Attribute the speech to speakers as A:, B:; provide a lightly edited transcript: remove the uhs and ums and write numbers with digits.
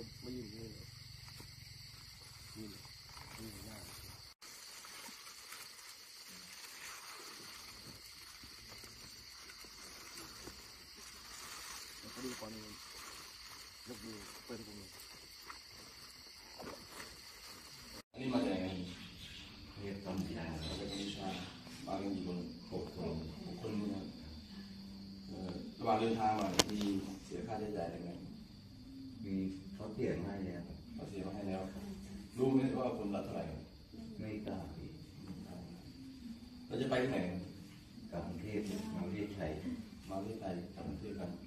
A: ไม่ยืนนี่เลยยืนหน้าแล้วก็ดูก่อนนึงยกมือเปิดกูมือ
B: นี่มาจากไหน
C: เรียกตำยา
B: มาจากกัมพูชามากันกี่คน6 คนนะระหว่างเดินทางมามีเสียค่าใช้จ่ายอะไรไหม
C: มีเขาเสียงให้แล้ว
B: เขาเสียมาให้แล้วรู้ไหมว่าคนละเท่าไหร่
C: ไม่กล้าอีก
B: เราจะไปที่ไหน
C: กรุงเทพมาเรียกชัย
B: มาที่ไทยกลับประเทศกัน